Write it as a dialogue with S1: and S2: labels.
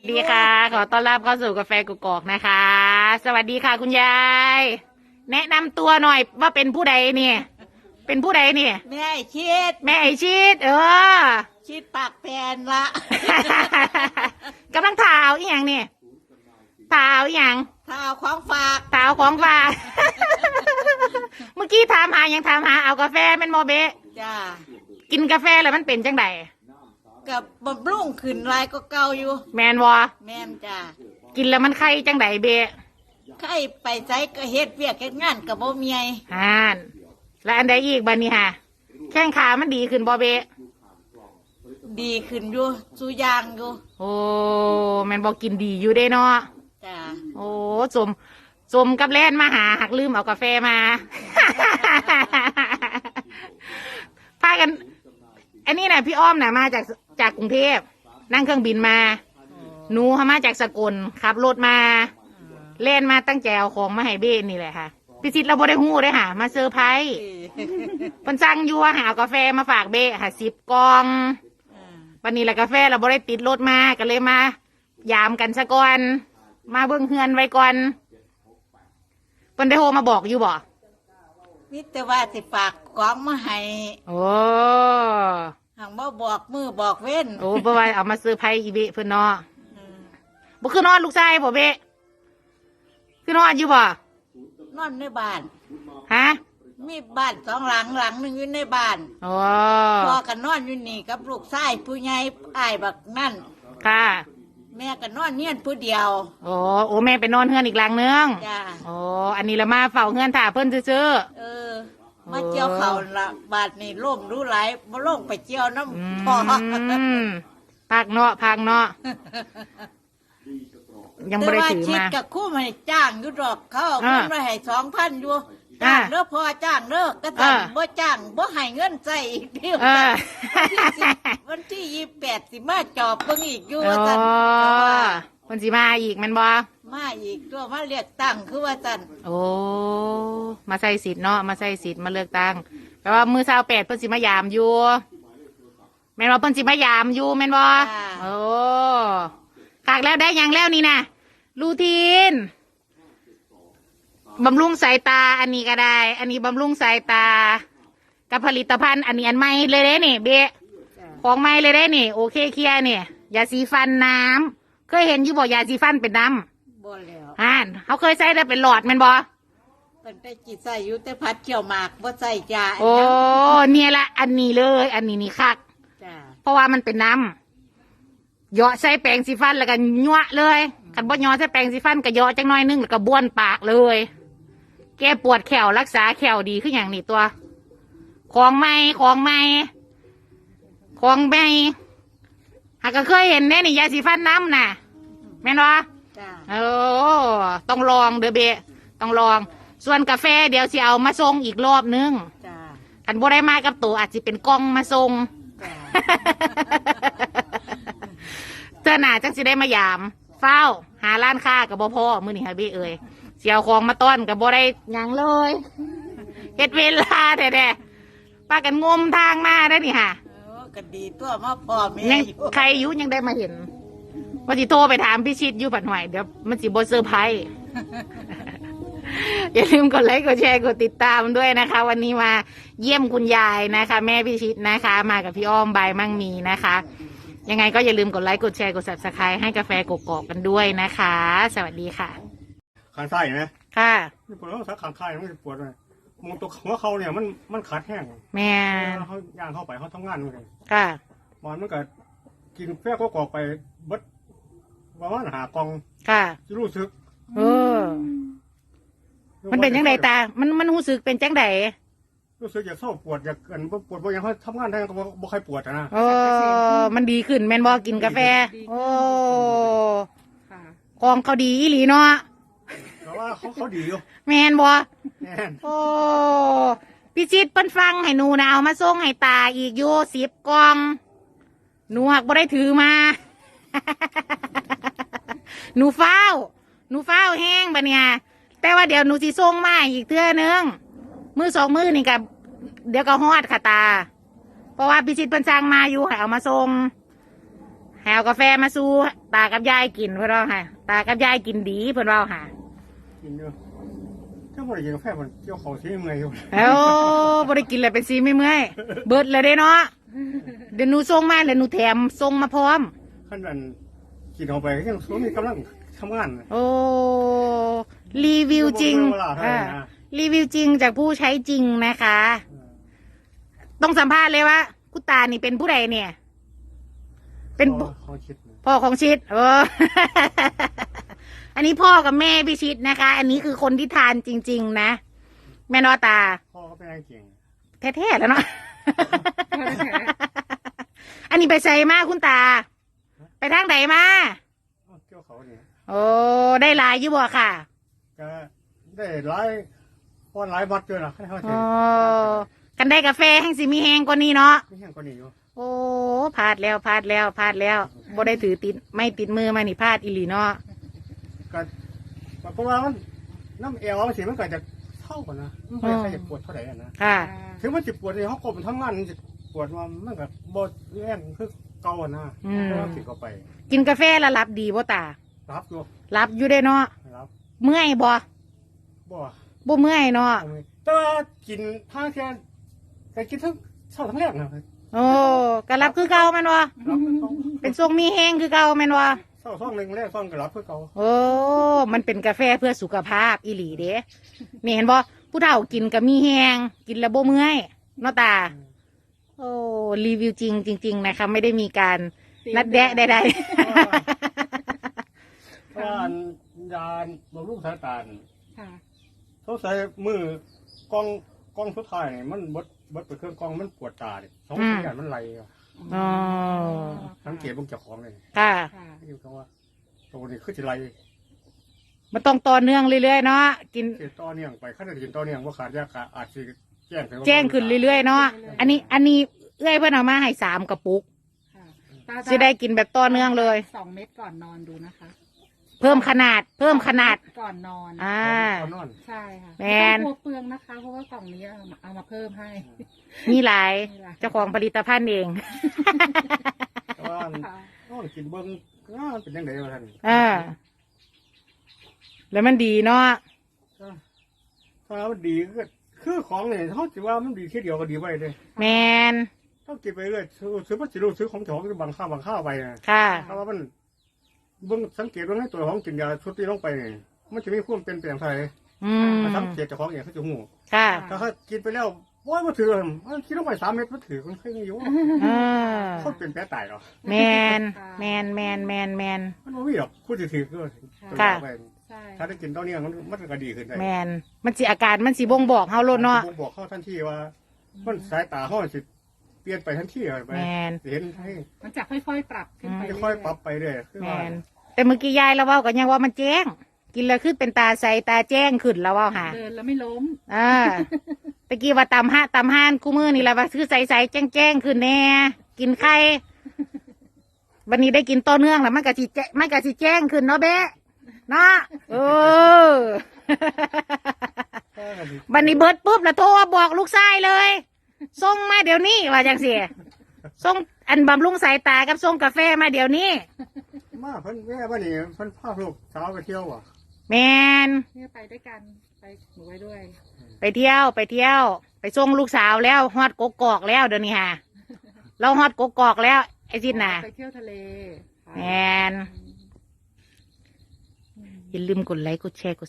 S1: สวัสดีค่ะขอต้อนรับเข้าสู่กาแฟกกอกนะคะ สวัสดีค่ะคุณยายแนะนำตัวหน่อยว่าเป็นผู้ใดเนี่ยเป็นผู้ใดเนี่ย
S2: แม่ชิด
S1: แม่ไอชิด
S2: ชิดปากแปนละ
S1: กำลังถ่าวอีหยังเนี่ยถ่าวอีหยัง
S2: ถ้าเอาของฝาก
S1: ถ่าวของฝาก เมื่อกี้ถามหายังถามหาเอากาแฟแม่นโมเบะ
S2: จ้า
S1: กินกาแฟแล้วมันเป็นจังได
S2: กับบำรุงขึ้นลายก็เก่าอยู่
S1: แมนวะ
S2: แม่นจ้า
S1: กินแล้วมันไข้จังไดเบะ
S2: ใครไปใจก็เฮ็ดเวียกเฮ็ดงานกับบ่เมีย
S1: แล้วอันใดอีกบัดนี้ฮะแข้งขามันดีขึ้นบ่เบะ
S2: ดีขึ้นอยู่สู้ยางอยู่
S1: โอ้แม่นบอกกินดีอยู่เด้เนาะ
S2: จ้า
S1: โอ้สมกับแล่นมาหาหักลืมเอากาแฟมา พากันอันนี้นะพี่อ้อมนะมาจากกรุงเทพนั่งเครื่องบินมาหนูเขามาจากสกลขับรถมาเล่นมาตั้งแจวของมาให้เบ้นี่แหละค่ะพี่ชิดเราบ่ได้หู้ได้ค่ะมาเซอร์ไพรส์เพิ่นสั่งอยู่ว่าหากาแฟมาฝากเบ้ค่ะ10 กล่องวันนี้แหละกาแฟเราบ่ได้ติดรถมาก็เลยมายามกันซะก่อนมาเบิ่งเฮือนไว้ก่อนเพิ่นได้โทรมาบอกอยู่บ่
S2: มิแต่ว่าสิฝากของมาให้
S1: โอ้
S2: หังบ่บอกมือบอกเว้น
S1: โอ้บ่ว่าเอามาเซอร์ไพรส์อีเบ้เพิ่นเนาะบ่คือนอนลูกชายบ่เบ้คือนอนอยู่บ่
S2: นอนในบ้าน
S1: ฮะ
S2: มีบ้าน2 หลังหลังหนึ่งอยู่ในบ้านพ่อก็นอนอยู่นี่กับลูกชายผู้ใหญ่อ้ายบักนั่น
S1: ค่ะ
S2: แม่ก็นอนเนียนผู้เดียว
S1: โอ้แม่ไปนอนเฮือนอีกหลังนึง
S2: จ้า
S1: อันนี้ละมาเฝ้าเฮือนถ่าเพิ่นซื่อ
S2: มาเจียวเขาละบาดนี่ล่มรู้หลายมาล่มไปเจียวน้ำพอ
S1: พักเนาะยังไม่ได้ถือมา
S2: แต่ว่าชิดกับคู่มาจ้างอยู่ดอกเขาเอาเงินมาให้2,000อยู่จ้างเด้อพอจ้างเด้อก็จ้างบ่จ้างบ่ให้เงินใจอีกเดียววันที่28สิมาจอบเบิ่งอีกอยู่ว่าซั่น
S1: คนสิมาอีกแม่นบ่
S2: มาอีกตัวมาเรียกตั้งคือว่าซั่น
S1: มาใส่สิทธิ์เนาะมาใส่สิทธิ์มาเลือกตั้งแปลว่ามื้อ28เพิ่นสิมายามอยู่แม่นบ่เพิ่นสิมายามอยู่แม่นบ่ขากแล้วได้ยังแล้วนี่นะรูทีนบำรุงสายตาอันนี้ก็ได้อันนี้บำรุงสายตากับผลิตภัณฑ์อันนี้อันใหม่เลยเด้นี่เบะของใหม่เลยเด้นี่โอเคเคลียร์เนี่ยยาสีฟันน้ำเคยเห็นอยู่บ่ยาสีฟันเป็นน้
S2: ำบ่
S1: แล้วเขาเคยใช้ได้เป็นหลอดแม่นบ่
S2: เป็นแต่จิตใส่อยู่แต่พัดเกี่ยวหมากบ่ใส่ยา
S1: เนี่ยละอันนี้เลยอันนี้นี่คักเพราะว่ามันเป็นน้ำเหยาะใส่แปรงสีฟันแล้วก็ยั่วเลยกันบ่ยอใส่แปรงสีฟันก็เหยาะจังน้อยนึงแล้วก็บ้วนปากเลยแก้ปวดแขวรักษาแขวดีขึ้นอย่างนี้ตัวของใหม่หากก็เคยเห็นแน่นี่ยาสีฟันน้ำน่ะแม่นวะต้องลองเด้อเบะต้องลองส่วนกาแฟเดี๋ยวสิเอามาส่งอีกรอบนึงกันบ่ได้มากับตัวอาจจะเป็นกล่องมาส่งเจ้าหน่าจังสิได้มายามเฝ้าหาร้านค้ากับบ่พ่อมื้อนี้ฮะเบ้เอ้ยเสียวของมาต้อนกับบ่ได้หยังเลยเฮ็ดเวลาแท้ๆป้ากันงมทางมาได้นี่ค่ะ
S2: ก็ดีตัวมาพ่อแม่
S1: ยังใครอยู่ยังได้มาเห็นว่าสิโทรไปถามพี่ชิดอยู่ปัดหวยเดี๋ยวมันสิบ่เซอร์ไพรส์อย่าลืมกดไลค์กดแชร์กดติดตามด้วยนะคะวันนี้มาเยี่ยมคุณยายนะคะแม่พี่ชิดนะคะมากับพี่อ้อมใบมั่งมีนะคะยังไงก็อย่าลืมกดไลค์กดแชร์กด Subscribe ให้กาแฟกกอกกันด้วยนะคะสวัสดีค่ะ
S3: ข้างใต้ไหม
S1: ค่ะ
S3: ปวดแล้วสักข้างใต้มันปวดเลยมองตัวหัวเขาเนี่ยมันขาดแห้ง
S1: แม่
S3: เขาย่างเข้าไปเขาทำงานเลย
S1: ค่ะ
S3: มันก็กินแป้งก็กอกไปบัดว่ามันหากอง
S1: ค่ะ
S3: รู้สึก
S1: มันเป็นจังไดตามันรู้สึกเป็นจังได
S3: รู้สึกอยากเศร้าปวดอยากกันปวดเพราะยังเขาทำงานได้ก็บ่ใครปวดนะ
S1: มันดีขึ้นแม่นบ่กินกาแฟของเขาดีอีหลีเนาะ
S3: แต่ว่าเขาดีอยู่
S1: แม่นบ่พี่จิตเปิ้นฟังให้หนูนะเอามาส่งให้ตาอีกอยู่10 กล่องหนูหักบ่ได้ถือมาหนูเฝ้าแห้งบัดเนี่ยแต่ว่าเดี๋ยวหนูสิส่งมาอีกเทื่อนึงมือ2 มือนี่กับเดี๋ยวก็ฮอดค่ะตาเพราะว่าพี่ชิดเพิ่นสั่งมาอยู่ให้เอามาส่งหาวกาแฟมาสู่ตากับยายกินเพื่อนเราค่ะตากับยายกินดีเพื่อนเราค่ะ
S3: กินเยอะถ้าบ่ได้กินกาแฟมันเกี่ยวเขาที่เมื่อยอยู่
S1: เอ้าบ่ได้กินเลยเป็นซีไม่เมื่อยเบิดเลยเด้เนาะเดี๋ยวหนูส่งมาแล้วหนูแถมส่งมาพร้อม
S3: ขั้นนั้นกินเข้าไปก็ยังมีกำลังทำงาน
S1: โอ้รีวิวจริง
S3: เวลาเท่าไหร่นะ
S1: รีวิวจริงจากผู้ใช้จริงนะคะ ต้องสัมภาษณ์เลยว่าคุณตานี่เป็นผู้ใดเนี่ย เป็น
S3: เขาคิดนะ
S1: พ่อของชิดอันนี้พ่อกับแม่พี่ชิดนะคะ อันนี้คือคนที่ทานจริง ๆ นะ แม่นอตา
S3: พ่อก็เป็นนายเก่ง
S1: แท้ๆแล้วเนาะ อันนี้ไปใส่มาคุณตา ไปทางไหนมา
S3: เกี่ยวเขาเนี่ย
S1: โอ้ ได้หลายอยู่บ่ค่ะ
S3: ก็ได้หลายป้อนหลายบัตรด้วยนะให้เขาเห็
S1: โอ้
S3: น
S1: กันได้กาแฟแห้งสิมีแห้งกว่านี้เนาะ
S3: ไม่แห้งกว่านี้อยู่
S1: โอ้พลาดแล้วพลาดแล้วพลาดแล้วบ่ได้ถือติดไม่ติดมือมานี่พลาดอีหลีเนาะ
S3: ก็เพราะว่ามันน้ำเอวมันสิมันก็จะเท่ากันนะมันไม่ใช่จะปวดเท่าไหร่นะ
S1: ค่ะ
S3: ถึงมันจะปวดในห้องกบมันทำงานมันจะปวดว่ามันก็บ่แรงคือเก่าอะนะเพราะว่ากินเข้าไป
S1: กินกาแฟแล้วรับดีบ่ตา
S3: รับอยู่
S1: รับอยู่ได้เนาะ
S3: รับ
S1: เมื่อยบ่
S3: บ่
S1: บ่เมื่อยเนาะ
S3: แต่ว่ากินทางแค่ก็กินทั้งเช้าทั้งแรกนะ
S1: โอ้ก็รับคือเก่าแม่นบ่
S3: รับคือเก่า
S1: เป็นทรงมีแห้งคือเก่าแม่นบ่
S3: เช้าซ่องหนึ่งแรกซ่องก็รับคือเก่า
S1: โอ้มันเป็นกาแฟเพื่อสุขภาพอีหลีเด้นี่เห็นบ่ผู้เฒ่ากินก็มีแห้งกินแล้วบ่เมื่อยเนาะตา โอ้รีวิวจริง ๆ นะคะไม่ได้มีการนัดแดะใด
S3: เพราะว่ายานบำรุงสายตา
S2: ค่ะ
S3: เขาใส่มือกล้องสุดท้ายนี่มันบดไปเครื่องกล้องมันปวดตาเนี่ยสองอย่างมันไหลอะ
S1: ๆอ๋อ
S3: สังเกตเบิ่งเจ้าของเลย
S1: ค่ะ
S2: ค่ะ
S3: อยู่คำว่าตัวนี้คือสิไหล
S1: มันต้องต่อเนื่องเรื่อยๆเนาะกิน
S3: เสียต่อเนื่องไปขั้นตอนต่อเนื่องว่าขาดยากอาจจะแจ้ง
S1: แจ้งขึ้นเรื่อยๆเนาะอันนี้เอื้อยเพื่อนเอามาให้3 กระปุก
S2: ค่ะ
S1: จะได้กินแบบต่อเนื่องเลย
S2: 2 เม็ดก่อนนอนดูนะคะ
S1: เพิ่มขนาด
S2: ก่อนนอน
S1: อ่า
S3: นอน
S2: ใช่ค่ะ
S1: แมน
S2: ไต้องกลัวเปลืองนะคะ เพราะว่ากล่องนี้เอามาเพิ่มให้
S1: มีหลาย
S2: มีหลาย
S1: เจ้าของผลิตภัณฑ์เอง
S3: แต่ว่านอนกินเบิ่งเป็นยังไงวะท่าน
S1: อ่าแล้วมันดีเนาะ
S3: ถ้ามันดีก็คือของเนี่ยเขาถือว่ามันดีแค่เดียวก็ดีไปเลย
S1: แมน
S3: ต้องกินไปเรื่อยซื้อมันจะรู้ซื้อของเจ้าของบางข้าวไปนะ
S1: ค่ะ
S3: เพราะว่ามันเบิ่งสังเกตว่าให้ตัวของกินยาชุดที่ลงไปนี่มันจะมีความเป็นเปลี่ยนไทย
S1: อืม
S3: สังเกตเจ้าของอย่างเขาจะหู
S1: ค่ะ
S3: ถ้าเขากินไปแล้วว่ามาถือมันคิดลงไป3 เม็ดมาถือคนเคยมีอยู่
S1: อ่า
S3: เขาเป็นแผลตายหรอ
S1: แมนแมนแมนแมนแมน
S3: มันไม่มีหรอกพูดถือก็
S1: ค่ะ
S2: ใช่
S3: ถ้าได้กินตอนนี้มันก็ดีขึ้นได้
S1: แมนมันสิอาการมันสิบ่งบอกเฮาโลดเนาะ
S3: ผมบอกเขาทันทีว่ามันสายตาเขาสิเปลี่ยนไปทันทีไป
S1: แมน
S3: เห็นให้
S2: มันจะค่อยๆปรับขึ้นไป
S3: จะค่อยปรับไปเรื่อยคือ
S1: แม
S3: ว่าน
S1: แต่เมื่อกี้ยายเราเว้ากันยังว่ามันแจ้ง กินแล้วคือเป็นตาใสตาแจ้งขึ้นแล้วเว้าหา
S2: เดินแล้วไม่ล้ม
S1: อ่าตะกี้ว่าตำห้านคู่มือนี่แหละว่าคือใสๆแจ้งขึ้นแน่กินไข่วันนี้ได้กินต่อเนื่องแล้วมันก็สิแจ้งขึ้นเนาะเบ๊ะเนาะเออ บันนี้เบิดปุ๊บแล้วโทรมาบอกลูกชายเลยส่งมาเดี๋ยวนี้ว่าจังสิส่งอันบำรุงสายตากับส่งกาแฟมาเดี๋ยวนี้
S3: มาเพิ่นแม่บ้านนี่เพิ่นพาลูกสาวไปเที่ยวอ่ะ
S1: แมน
S2: เนี่ยไปด้วยกัน ไปหนูไว้ด้วย
S1: ไปเที่ยวไปส่งลูกสาวแล้วฮอดกกอกแล้วเดี๋ยวนี้ฮะเราฮอดกกอกแล้วไอ้จินน่ะ
S2: ไปเที่ยวทะเล
S1: แมนอย่าลืมกดไลค์กดแชร์กด